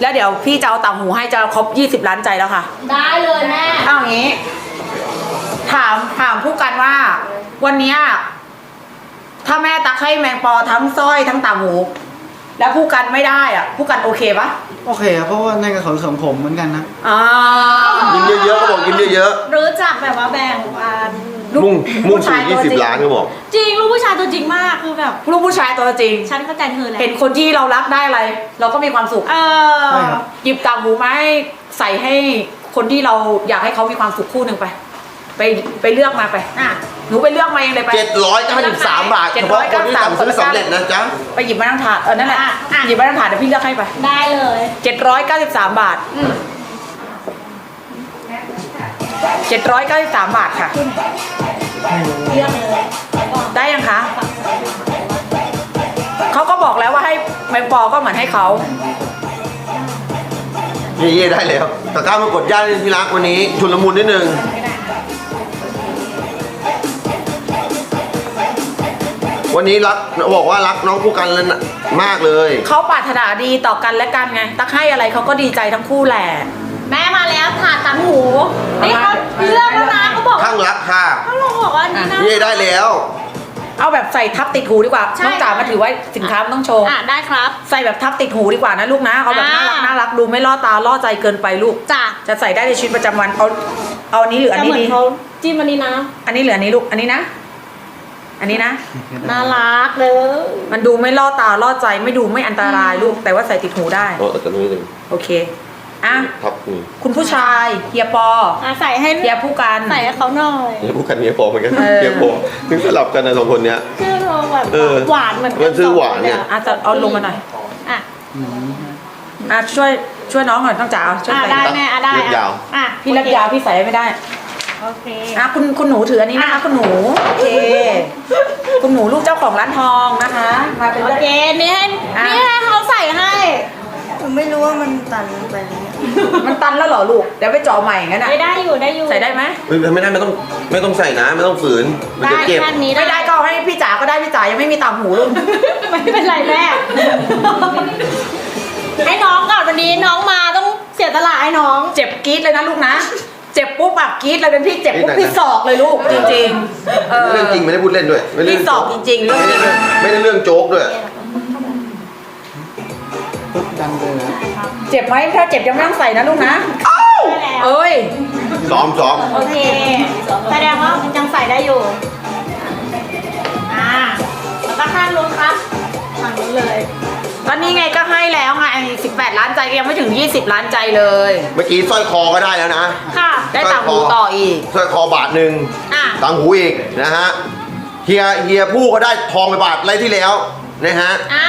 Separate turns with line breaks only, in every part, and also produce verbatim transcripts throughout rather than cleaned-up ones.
แล้วเดี๋ยวพี่จะเอาต่างหูให้จะครบยี่สิบล้านใจแล้วค่ะ
ได้เลยแม่
เอาอย่างนี้ถามถามผู้กันว่าวันนี้ถ้าแม่ตักให้แมงปอทั้งสร้อยทั้งต่างหูแล้วผู้กันไม่ได้อ่ะผู้กันโอเคปะ
โอเคครับเพราะว่านั่นก็ของของผมเหมือนกันนะ
อ่า
กินเยอะๆก็บอกกินเยอะ
ๆรู้จักแบบว่าแบ่งปัน
มุ่งมุ่งสู่ยี่สิบล้านก็บอก
จริงลูกผู้ชายตัวจริงมากคือแบบ
ลูกผู้ชายตัวจริง
ฉันเข้าใจเธอแล้ว
เห็นคนที่เรารักได้อะไร เราก็มีความสุข
เออ
หยิบต่างหูมาให้ใส่ให้คนที่เราอยากให้เขามีความสุขคู่หนึ่งไปไปไปเลือกมาไปอ่ะหนูไปเลือกมาเองเลยไป
เจ็ดร้อยเก้าสิบสามบาทเฉพาะคนที่สั่งซื้อสำเร็จนะจ๊ะ
ไปหยิบมาทั้งถาดเออนั่นแหละหยิบมาทั้งถาดเดี๋ยวพี่เลือกให้ไป
ได้เลย
เจ็ดร้อยเก้าสิบสามบาทเจ็ดร้อยเก้าสิบสามบาทค่ะ
เลือกเลย
ได้ยังคะเขาก็บอกแล้วว่าให้แมงปอก็เหมือนให้เขา
เย่ๆได้แล้วตะกร้ามากดย่าที่รักวันนี้ชุนละมุนนิดนึงวันนี้รักบอกว่ารักน้องผู้กันเลยมากเลย
เขาปรารถนาดีต่อกันและกันไงตักให้อะไรเขาก็ดีใจทั้งคู่แหละ
แม่มาแล้วถาดต่างหูนี่เขาเลือกแล้วนะเขาบอก
ข้างรักค่ะ
เขาบอกว่านี่นะ
เย่ได้แล้ว
เอาแบบใส่ทับติดหูดีกว่าน้องจ๋ามาถือไว้สินค้าต้องโชว์
อ่ะได้ครับ
ใส่แบบทับติดหูดีกว่านะลูกนะเอาแบบน่ารักน่ารักดูไม่ล่อตาล่อใจเกินไปลูก
จ้ะ
จะใส่ได้ในชีวิตประจำวันเอาเอาอันนี้หรืออันนี้ดี
จิ้มอันนี้นะ
อันนี้เหลืออันนี้ลูกอันนี้นะอันนี้นะ
น่ารักเลย
มันดูไม่ล่อตาล่อใจไม่ดูไม่อันตรายลูกแต่ว่าใส่ติดหูได้
โอ้แต่นี้เลย
โอเคอ่ะ
ครับ
คุณผู้ชายเฮียปอ
ใส่ให้
เฮียผู้กัน
ใส่ให้เขาหน่อย
เฮียผู้กันเฮียปอเหมือนกันเฮียปอถึงสลับกันในสองคนเนี้ย
คือเราแบบหวานเหมือน
กันซื้อหวานเนี่ย
อาจจะเอาลงมาหน่อย
อ่ะ
อ่ะช่วยช่วยน้องหน่อยต้องจ๋าช่วยใส่
ได้แม่ได้
ยาว
อ่ะพี่เล็กยาวพี่ใส่ไม่ได้
โอเค
อ่ะคุณคุณหนูถืออันนี้นะคะคุณหนูโอเคคุณหนูลูกเจ้าของร้านทองนะคะมาเป็น
โอเคนี่ให้นี่ให้เขาใส่ให้
ผมไม่รู้ว่ามันตันไปเนี่ย
มันตันแล้วเหรอลูกเดี๋ยวไปเจาะใหม่งั้นอ่ะ
ไม่ได้อยู่ได้อยู่
ใส่ได้ไหม
ไม่ได้ไม่ต้องไม่ต้องใส่นะไม่ต้องฝืนมันจะเจ็บ
ไม่ได้ก็ให้พี่จ๋าก็ได้พี่จ๋ายังไม่มีต่างหูลูก
ไม่เป็นไรแม่ให้น้องก่อนวันนี้น้องมาต้องเสียตลาดให้น้อง
เจ็บกรี๊ดเลยนะลูกนะเจ็บปุ๊บแบบกรี๊ดเลยเป็นพี่เจ็บปุ๊บพี่ศอกเลยลูกจริงๆ
เรื่องจริงไม่ได้พูดเล่นด้วย
พี่ศอกจริงๆเรื่องจริง
ไม่ได้เรื่องโจ๊กด้วย
ดังเลยนะ
เจ็บไหมถ้าเจ็บยังไม่ต้องใส่นะลูกนะเอ้ย
ซ้อมซ้อม
โอเคแสดงว่ายังใส่ได้อยู่อ่าแล้วก็ข้างนู้นครับข้างนู้นเลย
ตอนนี้ไงก็ให้แล้วไงสิบแปดล้านใจยังไม่ถึงยี่สิบล้านใจเลย
เมื่อกี้สร้อยคอก็ได้แล้วนะ
ค่ะ
ได้ต่างหูต่ออีก
สร้อยคอบาทหนึ่งต่างหูอีกนะฮะเฮียเฮียผู้ก็ได้ทองไปบาทไรที่แล้วนะฮะ
อ่า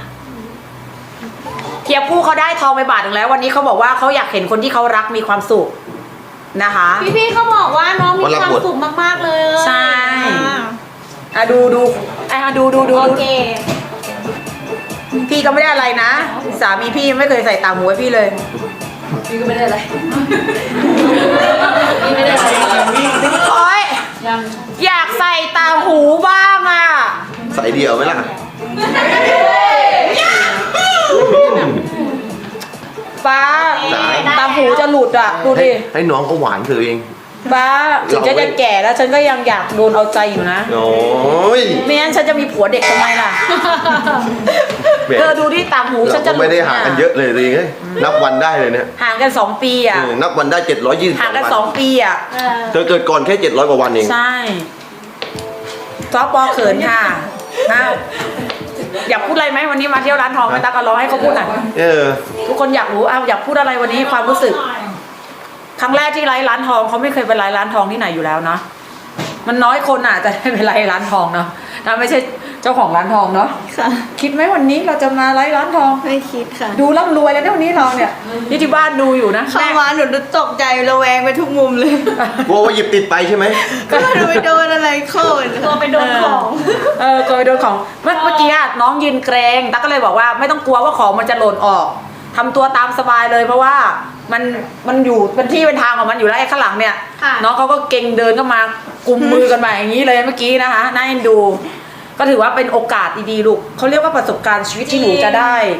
เฮียผู้เขาได้ทองไปบาทหนึ่งแล้ววันนี้เขาบอกว่าเขาอยากเห็นคนที่เขารักมีความสุขนะคะ
พี่ๆเขาบอกว่าน้องมีความสุขมากๆเลย
ใช่อ่ะดูดูอ่ะดูดูดู
โอเค
พี่ก็ไม่ได้อะไรนะสามีพี่ไม่เคยใส่ต่างหูให้พี่เลยพี่ก็ไม่ได้อะไรพี่ไม่ได้อะไรโอ๊ยอยากใส่ต่างหูบ้างอ่ะ
ใส่เดี่ยวไหมล่ะ
ป้าต่างหูจะหลุดอ่ะดูดิ
ให้น้องเขาหวานเธอเอง
บ้าถึงจะจะแก่แล้วฉันก็ยังอยากโดนเอาใจอยู่นะ
โอ้ย
ไม่งั้นฉันจะมีผัวเด็กทำไมล่ะเธอดูที่ต่างหูฉันจะ
ไม่ได้ห่างกันเยอะเลยเลยนับวันได้เลยเนี่ย
ห่างกันสองปีอ่ะ
นับวันได้เจ็ดร้อยยี่สิบ
ห่างกันสองปีอ่ะ
เธอเกิดก่อนแค่เจ็ดร้อยกว่าวันเอง
ใช่ซอปอเขินค่ะอยากพูดอะไรไหมวันนี้มาเที่ยวร้านทองไปตากระร้องให้เขาพูดหน่อยทุกคนอยากรู้อ้าวอยากพูดอะไรวันนี้ความรู้สึกครั้งแรกที่ไลฟ์ร้านทองเขาไม่เคยไปไลฟ์ร้านทองที่ไหนอยู่แล้วนะมันน้อยคนอ่ะจะได้ไปไลฟ์ร้านทองเนาะถ้าไม่ใช่เจ้าของร้านทองเนาะ
ค่ะ
คิดไหมวันนี้เราจะมาไลฟ์ร้านทอง
ไม่คิดค่ะ
ดูร่ำรวยแล้วเนี่ยวันนี้เราเนี่ยที่ที่บ้านดูอยู่นะ
เข้ามาหนูตกใจระแวงไปทุกมุมเลย
กลัวว่าหยิบติดไปใช่ไหม
ก็ดูไปโดนอะไรเข้าก
ลัวไปโดนของ
เออกลัวไปโดนของเมื่อเมื่อกี้น้องยืนเกรงตั๊กก็เลยบอกว่าไม่ต้องกลัวว่าของมันจะหล่นออกทำตัวตามสบายเลยเพราะว่ามันมันอยู่เป็นที่เป็นทางของมันอยู่แล้วไอ้ข้างหลังเนี่ยน้องเขาก็เก่งเดินเข้ามากุมมือกันมาอย่างนี้เลยเมื่อกี้นะคะน่าเอ็นดูก็ถือว่าเป็นโอกาสดีๆลูกเขาเรียกว่าประสบการณ์ชีวิตที่หนูจะได้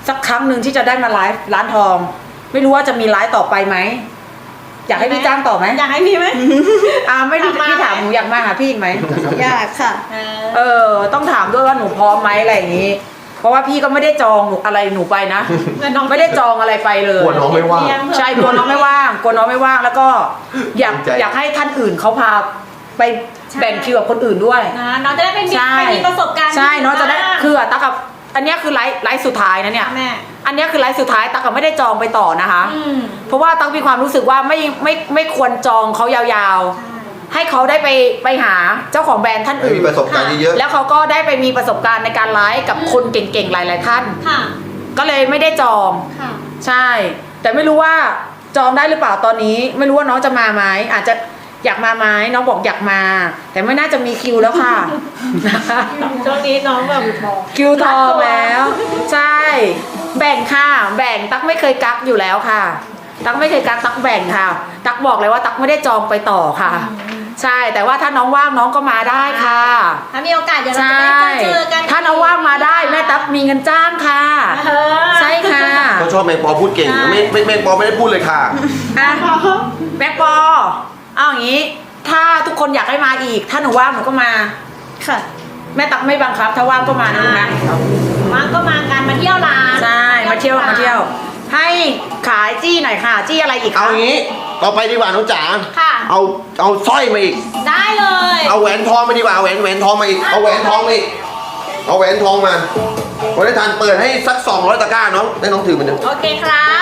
สักครั้งหนึ่งที่จะได้มาไลฟ์ร้านทอง ไม่รู้ว่าจะมีไลฟ์ต่อไปไหมอยากให้พี่จ้างต่อไหม
อยากให้พี่ไหม
อ่าไม่รู้
อยากมา
พี่ถามหนูอยากมาหาพี่อีกไหม
อยากค่ะ
เออ
เออ ต้องถามด้วยว่าหนูพร้อมไหมอะไรอย่างนี้ เพราะว่าพี่ก็ไม่ได้จองหนูอะไรหนูไปนะ
เงินน้อง
ไม่ได้จองอะไรไปเลย
กลัวน้องไม่ว่าง
ใช่กลัวน้องไม่ว่างกลัวน้องไม่ว่างแล้วก็อยาก
ภูมิใจ
อยากให้ท่านอื่นเขาพาไปแบ่งคิวกับคนอื่นด้วย
นะน้องจะได้ไปมี
ใช่
ไปมีประสบการณ์
ใช่เนาะจะได้
บ้าง
คือตากับอันเนี้ยคือไลฟ์ไลฟ์สุดท้ายนะเนี่ย
แม่
อันเนี้ยคือไลฟ์สุดท้ายตากับไม่ได้จองไปต่อนะคะ
อืม
เพราะว่าตั๊กมีความรู้สึกว่าไม่ไม่ไม่ควรจองเขายาวๆ ให้เขาได้ไปไปหาเจ้าของแบรนด์ท่าน
ให้
อื่น
มีประสบการณ์เยอะ
แล้วเขาก็ได้ไปมีประสบการณ์ในการไลฟ์กับคนเก่งๆหลาย ๆ ท่าน
ค่ะ
ก็เลยไม่ได้จอง
ค่ะ
ใช่ แต่ไม่รู้ว่าจองได้หรือเปล่าตอนนี้ ไม่รู้ว่าน้องจะมาไหมอาจจะอยากมาไหมน้องบอกอยากมา แต่ไม่น่าจะมีคิวแล้วค่ะ
ช่วงนี้น้องแบบ
คิวทองแล้ว ใช่ แบ่งค่ะ แบ่งตั๊กไม่เคยกักอยู่แล้วค่ะ ตั๊กไม่เคยกักตั๊กแบ่งค่ะ ตั๊กบอกเลยว่าตั๊กไม่ได้จองไปต่อค่ะ ใช่ แต่ว่าถ้าน้องว่างน้องก็มาได้ค่ะ
ถ้ามีโอกาสเดี๋ยวเรา
ใช่
จะได้เจอกัน
ถ้าน้องว่างมาได้แม่ตั๊กมีเงินจ้างค่ะ
เออ
ใช่ค่ะ
ๆเขาชอบแมงปอพูดเก่ง
ใช่
ไม่ไม่แมงปอไม่ได้พูดเลยค่ะ
อ่ะแม็กปอเอาอย่างนี้ ถ้าทุกคนอยากให้มาอีก ถ้าหนูว่างหนูก็มา
ค่ะ
แม่ตั๊กไม่บังคับ ถ้าว่างก็มานะลูกนะ
ว่างก็มากันมาเที่ยวร้าน
ใช่ มาเที่ยวมาเที่ยว ให้ขายจี้หน่อยค่ะ จี้อะไรอีกคะ
เอางี้ต่อไปดีกว่าน้องจ๋า
ค่ะ
เอาเอาสร้อยมาอีก
ได้เลย
เอาแหวนทองมาดีกว่าเอาแหวนแหวนทองมาอีก เอาแหวนทองมาอีก เอาแหวนทองมาวันนี้ทานเปิดให้สักสองร้อยตะกร้าน้องได้น้องถือมันเดียว
โอเคครับ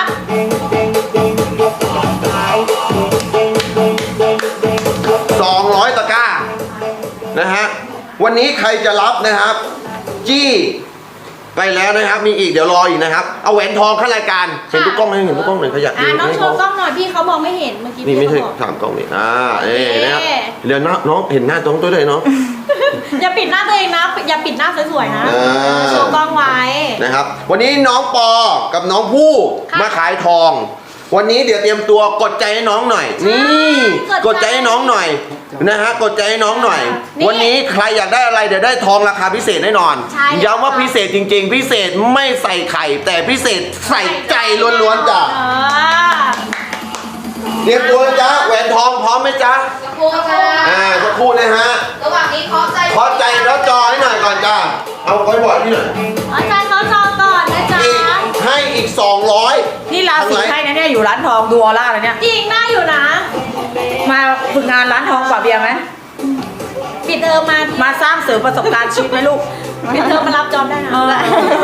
สองร้อยตะกร้านะฮะวันนี้ใครจะรับนะครับ จี้ไปแล้วนะครับ มีอีกเดี๋ยวรออีกนะครับ เอาแหวนทองเข้ารายการเห็นทุกกล้องไหมเห็นทุกกล้องไหมขยับ
อ่าน้องโชว์กล้องหน่อยพี่เขามองไม่เห็นเมื่อกี้
นี่ไม่
พี่
ใช่
เขาบอก
สามกล้องนี่อ่าเอ๊ะ
โอเค
นะครับเดี๋ยวน้องน้องเห็นหน้าตรงตัวด้วยเนาะ
อย่าปิดหน้าตัวเองนะ อย่าปิดหน้าสวยๆนะ
อ่า
โชว์กล้องไว้
นะครับวันนี้น้องปอกับน้องผู้
ค่ะ
มาขายทอง วันนี้เดี๋ยวเตรียมตัวกดใจให้น้องหน่อย นี่
ก
ก
ด
ด
ใจ
ใจให้น้องหน่อยนะฮะกดใจให้น้องหน่อย
นี่
วันนี้ใครอยากได้อะไรเดี๋ยวได้ทองราคาพิเศษแน่นอน
ใช่
ย้ำว่าพิเศษจริง ๆ พิเศษไม่ใส่ไข่ แต่พิเศษใส่ใจล้วนๆจ้ะ
เออ
เตรียมตัวนะจ๊ะแหวนทองพร้อมไหมจ๊ะ
ครูค่ะ
อ่าสักครู่นะฮะ
ระหว่างนี้เคาะใจ
ขอใจแล้วจอให้หน่อยก่อนจ้ะเอาไว้บอร์ดนี่หน่อย
อาจารย์เขาจองก่อนนะจ๊ะ
อีกให้อีกสองร้อย
นี่ราศีให้นะเนี่ยอยู่ร้านทองดูออร่าเลยเนี่ย
จริงน่าอยู่นะ
มาฝึกงานร้านทองกว่าเบียร์ไหม
ปิดเทอมมา
มาสร้างเสริมประสบการณ์ชีวิตไหมลูก
ปิดเทอมมารับจอบได้นะ
เออ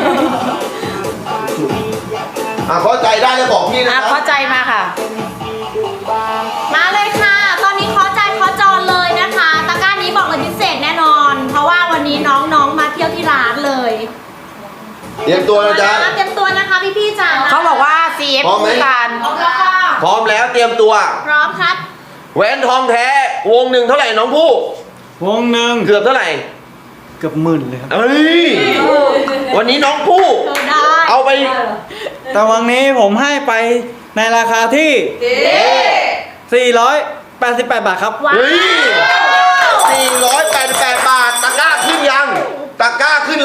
อ่ะเข้าใจได้แล้วบอกพี่นะ
อ่ะ
ครับ
เข้าใจมาค่ะ
มาเลยค่ะ ตอนนี้ขอใจขอจองเลยนะคะ ตะกร้านี้บอกเลยพิเศษแน่นอน เพราะว่าวันนี้น้องๆมาเที่ยวที่ร้านเลย
เตรียมตัวนะจ๊ะ
เตรียมตัวนะคะพี่ๆจ๋า
เขาบอกว่า ซี เอฟ
พร้อมไหม
คู่กัน
พร้อมแล้วค่ะ
พร้อมแล้วเตรียมตัว
พร้อมครับ
แหวนทองแท้วงหนึ่งเท่าไหร่น้องผู้
วงหนึ่ง
เกือบเท่าไหร่
เกือบหมื่นเลยครับ
เอ้ยวันนี้น้องผู้
เออได้
เอาไป
แต่วันนี้ผมให้ไปในราคาที่ สี่ร้อยแปดสิบแปด บาทครับ
ว้า
เฮ้ยว สี่ร้อยแปดสิบแปด